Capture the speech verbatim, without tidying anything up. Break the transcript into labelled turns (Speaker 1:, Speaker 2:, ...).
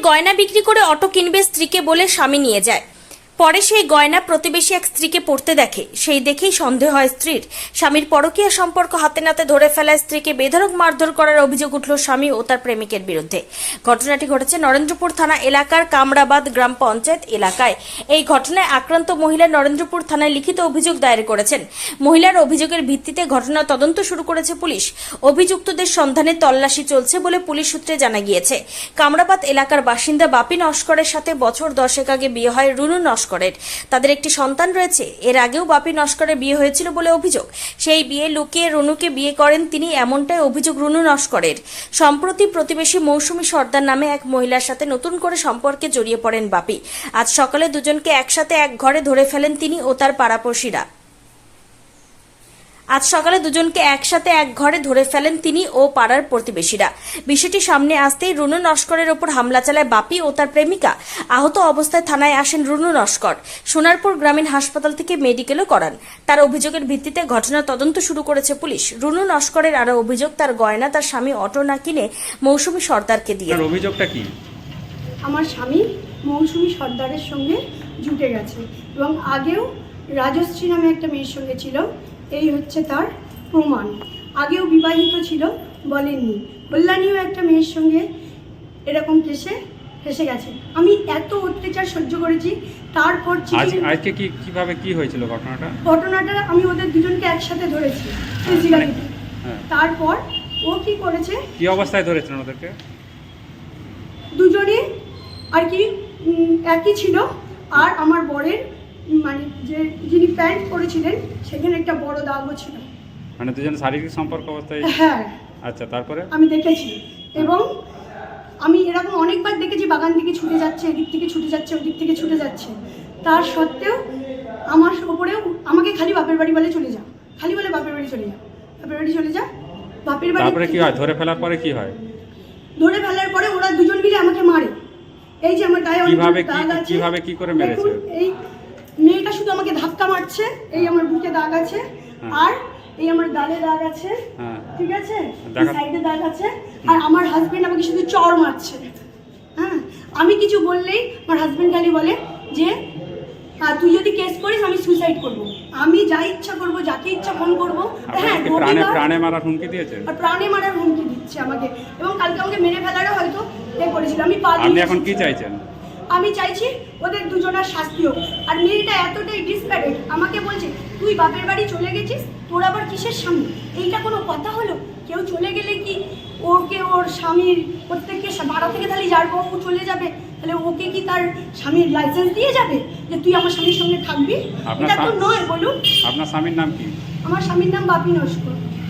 Speaker 1: গয়না বিক্রি করে অটো কিনবে স্ত্রীকে বলে স্বামী নিয়ে যায়। পরে সেই গয়না প্রতিবেশী এক স্ত্রীকে পড়তে দেখে, সেই দেখেই সন্দেহ হয় স্ত্রীর। স্বামীর পরকীয়া সম্পর্ক হাতে নাতে ধরে ফেলায় স্ত্রীকে বেধড়ক মারধর করার অভিযোগ উঠল স্বামী ও তার প্রেমিকের বিরুদ্ধে। ঘটনাটি ঘটেছে নরেন্দ্রপুর থানা এলাকার কামরাবাদ গ্রাম পঞ্চায়েত এলাকায়। এই ঘটনায় আক্রান্ত মহিলা নরেন্দ্রপুর থানায় লিখিত অভিযোগ দায়ের করেছেন। মহিলার অভিযোগের ভিত্তিতে ঘটনা তদন্ত শুরু করেছে পুলিশ। অভিযুক্তদের সন্ধানে তল্লাশি চলছে বলে পুলিশ সূত্রে জানা গিয়েছে। কামরাবাদ এলাকার বাসিন্দা বাপি নস্করের সাথে বছর দশেক আগে বিয়ে হয় রুনু নস্করের। তাদের একটি সন্তান রয়েছে। এর আগেও বাপি নস্করের বিয়ে হয়েছিল বলে অভিযোগ। সেই বিয়ে লুকিয়ে রুনুকে বিয়ে করেন তিনি, এমনটাই অভিযোগ রুনু নস্করের। সম্প্রতি প্রতিবেশী মৌসুমী সর্দার নামে এক মহিলার সাথে নতুন করে সম্পর্কে জড়িয়ে পড়েন বাপি। আজ সকালে দুজনকে একসাথে এক ঘরে ধরে ফেলেন তিনি ও তার পাড়াপড়শিরা। আজ সকালে দুজনকে একসাথে এক ঘরে ধরে ফেলেন তিনি ও পাড়ার প্রতিবেশীরা। বিষয়টি সামনে আসতেই রুনু নস্করের ওপর হামলা চালায় বাপি ও তার প্রেমিকা। আহত অবস্থায় থানায় আসেন রুনু নস্কর। সোনারপুর গ্রামীণ হাসপাতাল থেকে মেডিকেলও করান। তার অভিযোগের ভিত্তিতে ঘটনার তদন্ত শুরু করেছে পুলিশ। রুনু নস্করের আরো অভিযোগ, তার গয়না তার স্বামী অটো না কিনে মৌসুমী সর্দারকে দিয়ে।
Speaker 2: অভিযোগটা কি?
Speaker 3: আমার স্বামী মৌসুমী সর্দারের সঙ্গে জুটে গেছে এবং আগেও রাজশ্রী নামে একটা মেয়ের সঙ্গে ছিল। এই হচ্ছে তার প্রমাণ। আগেও বিবাহিত ছিল, বলেননি। কল্যাণীও একটা মেয়ের সঙ্গে এরকম কেসে ফেসে গেছে। আমি এত অত্যাচার সহ্য করেছি। তারপর
Speaker 2: আজকে কি কিভাবে কি হয়েছিল ঘটনাটা?
Speaker 3: ঘটনাটা আমি ওদের দুজনকে একসাথে ধরেছি। তারপর ও কি করেছে,
Speaker 2: কি অবস্থায় ধরেছেন ওদেরকে?
Speaker 3: দুজনে আর কি একই ছিল। আর আমার বরের মানে যে যিনি প্যান্ট পরেছিলেন সেখানে একটা বড় দাগও ছিল।
Speaker 2: মানে দুজন শারীরিক সম্পর্ক অবস্থায়?
Speaker 3: হ্যাঁ।
Speaker 2: আচ্ছা, তারপরে?
Speaker 3: আমি দেখেছি এবং আমি এরকম অনেকবার দেখেছি, বাগান থেকে ছুটে যাচ্ছে, এদিক থেকে ছুটে যাচ্ছে, ওদিক থেকে ছুটে যাচ্ছে। তার সত্ত্বেও আমার ওপরেও আমাকে খালি বাপের বাড়ি বলে চলে যা, খালি বলে বাপের বাড়ি চলে যা, বাপের বাড়ি চলে যা, বাপের বাড়ি।
Speaker 2: তারপরে কি হয়? ধরে ফেলার পরে কি হয়?
Speaker 3: ধরে ফেলার পরে ওরা দুজন মিলে আমাকে মারে। এই যে আমার গায়ে
Speaker 2: কিভাবে কি কিভাবে কি করে মেরেছে?
Speaker 3: এই মেয়েটা শুধু আমাকে ধাক্কা মারছে, এই আমার বুকে দাগ আছে, আর এই আমার গালে দাগ আছে, ঠিক আছে, সাইডে দাগ আছে, আর আমার হাজবেন্ড আমাকে শুধু চড় মারছে। হ্যাঁ, আমি কিছু বললেই আমার হাজবেন্ড খালি বলে যে তুই যদি কেস করিস আমি সুইসাইড করব, আমি যা ইচ্ছা করব, যাকে ইচ্ছা ফোন করব। হ্যাঁ,
Speaker 2: প্রাণে প্রাণে মারার হুমকি দিয়েছে।
Speaker 3: আর প্রাণে মারার হুমকি দিচ্ছে আমাকে, এবং কালকে আমাকে মেরে ফেলারও হয়তো এ করেছিল। আমি পা
Speaker 2: আপনি এখন কি চাইছেন?
Speaker 3: আমি চাইছি ওদের দুজনের শাস্তি হোক। আর মেয়েটা এতটাই ডিসপ্যারেট, আমাকে বলছে তুই বাপের বাড়ি চলে গেছিস, তোর আবার কিসের স্বামী? এইটা কোনো কথা হলো? কেউ চলে গেলে কি ওকে ওর স্বামীর প্রত্যেককে ভাড়া থেকে তাহলে যার বউ চলে যাবে, তাহলে ওকে কি তার স্বামীর লাইসেন্স দিয়ে যাবে যে তুই আমার স্বামীর সঙ্গে থাকবি? এটা তো নয়, বলুন।
Speaker 2: আপনার স্বামীর নাম কি?
Speaker 3: আমার স্বামীর নাম বাপি নস্কর।